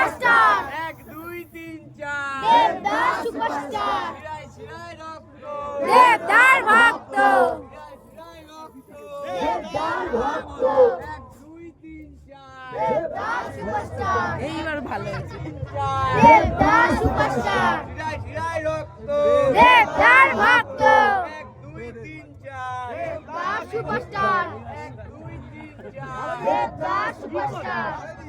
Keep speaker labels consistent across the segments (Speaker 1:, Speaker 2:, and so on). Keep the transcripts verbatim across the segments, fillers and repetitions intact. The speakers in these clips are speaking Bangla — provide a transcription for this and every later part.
Speaker 1: সুপারস্টার
Speaker 2: এক দুই তিন চার
Speaker 1: দেবদাস সুপারস্টার
Speaker 2: শিরায় শিরায় রক্ত
Speaker 1: দেবদার ভক্ত
Speaker 2: শিরায় শিরায় রক্ত
Speaker 1: দেবদার ভক্ত
Speaker 2: এক দুই তিন চার
Speaker 1: দেবদাস সুপারস্টার
Speaker 3: এইবার ভালো হয়েছে।
Speaker 2: চার
Speaker 1: দেবদাস সুপারস্টার
Speaker 2: শিরায় শিরায় রক্ত
Speaker 1: দেবদার ভক্ত
Speaker 2: এক দুই তিন চার
Speaker 1: দেবদাস সুপারস্টার
Speaker 2: এক দুই তিন চার
Speaker 1: Devdas superstar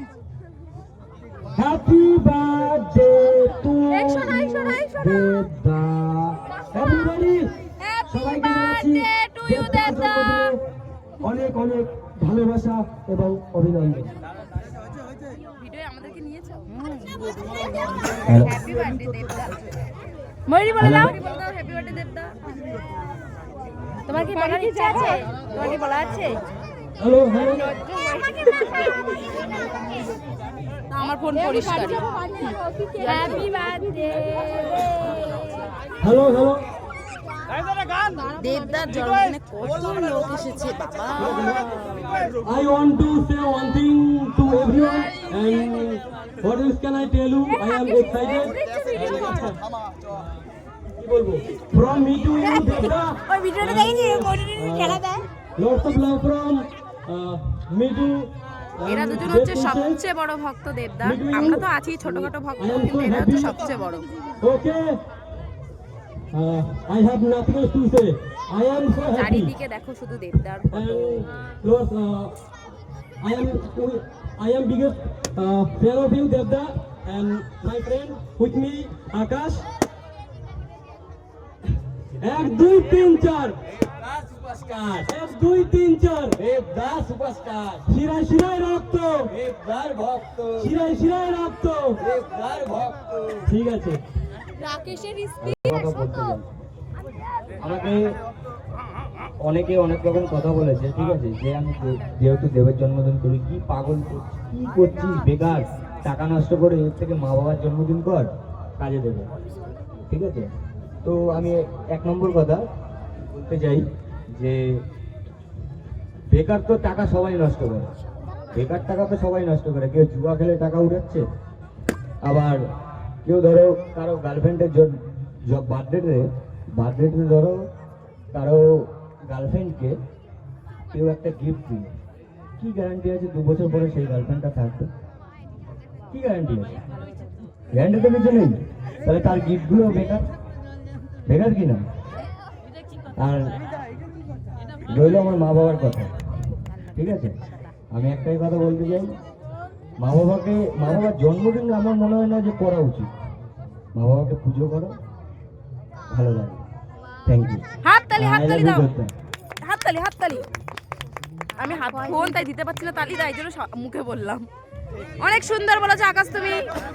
Speaker 4: Happy birthday to
Speaker 1: একশো না, একশো না, একশো না।
Speaker 4: Devda. Everybody,
Speaker 1: হ্যাপি
Speaker 4: সবাইকে জানাচ্ছি
Speaker 1: বার্থডে টু ইউ
Speaker 4: দেবদা
Speaker 1: দেবদা
Speaker 4: জন্মদিনে অনেক অনেক ভালোবাসা এবং অভিনন্দন।
Speaker 3: ভিডিও আমাদেরকে নিয়েছো?
Speaker 1: হ্যাপি বার্থডে দেবদা ময়ূরী বলে দাও
Speaker 3: বলে দাও হ্যাপি বার্থডে দেবদা।
Speaker 1: তোমার কি বলার ইচ্ছা আছে তোমার কি বলা আছে
Speaker 4: হ্যালো হ্যালো
Speaker 3: না, আমার ফোন পরিষ্কার।
Speaker 1: হ্যাপি বার্থডে
Speaker 4: হ্যালো হ্যালো
Speaker 3: দেবদার জন্মদিনে কত লোক এসেছে বাবা।
Speaker 4: I want to say one thing to everyone and what else can I tell you? I am excited. কি বলবো? From me to you, Devda.
Speaker 1: ওই ভিডিওটা দেখেছি ময়ূরী খেলা দেয়
Speaker 4: Lots of love from uh, me to. um,
Speaker 3: এরা দুজন হচ্ছে
Speaker 4: Dev Princess.
Speaker 3: সবচেয়ে বড় ভক্ত দেবদার। আমরা তো আছি ছোটখাটো ভক্ত, কিন্তু এরা হচ্ছে সবচেয়ে বড়।
Speaker 4: Okay. Uh, I have nothing else to say. I am so happy.
Speaker 3: চারিদিকে দেখো শুধু দেবদার
Speaker 4: And
Speaker 3: photo.
Speaker 4: Lord, uh, I am I am biggest uh, fan of you, Devda, and my friend with me, Akash. এক দুই তিন চার
Speaker 2: দেবদাস সুপারস্টার
Speaker 4: এক দুই তিন চার
Speaker 2: দেবদাস সুপারস্টার
Speaker 4: শিরায় শিরায় রক্ত
Speaker 2: দেবদার ভক্ত
Speaker 4: শিরায় শিরায় রক্ত
Speaker 2: দেবদার ভক্ত
Speaker 4: ঠিক আছে
Speaker 1: রাকেশের
Speaker 5: আমাকে অনেকে অনেক রকম কথা বলেছে, ঠিক আছে, যে আমি দে- যেহেতু দেবের জন্মদিন করি, কি পাগল করছিস, কি করছিস বেকার টাকা নষ্ট করে, এর থেকে মা বাবার জন্মদিন কর, কাজে দেবে, ঠিক আছে। তো আমি এক নম্বর কথা বলতে চাই যে বেকার তো টাকা সবাই নষ্ট করে, বেকার টাকা তো সবাই নষ্ট করে, কেউ জুয়া খেলে টাকা উড়াচ্ছে, আবার কেউ ধরো কারো গার্লফ্রেন্ডের বার্থডেতে বার্থডেতে ধরো কারো গার্লফ্রেন্ডকে কেউ একটা গিফট দিল, কি গ্যারান্টি আছে দু বছর পরে সেই গার্লফ্রেন্ডটা থাকবে? কি গ্যারান্টি আছে? গ্যারান্টি তো কিছু নেই। তাহলে তার গিফটগুলো বেকার, বেকার কি না? আর রইল আমার মা বাবার কথা, ঠিক আছে, আমি একটাই কথা বলতে চাই, মা বাবাকে মা বাবার জন্মদিন আমার মনে হয় না যে করা উচিত, মা বাবাকে পুজো করো, ভালো লাগে। Thank you.
Speaker 3: হাততালি হাততালি দাও, হাততালি হাততালি। আমি হাত ফোন তাই দিতে পারছি না, তালি তাই জন্য সা- মুখে বললাম। অনেক সুন্দর বলেছো আকাশ তুমি।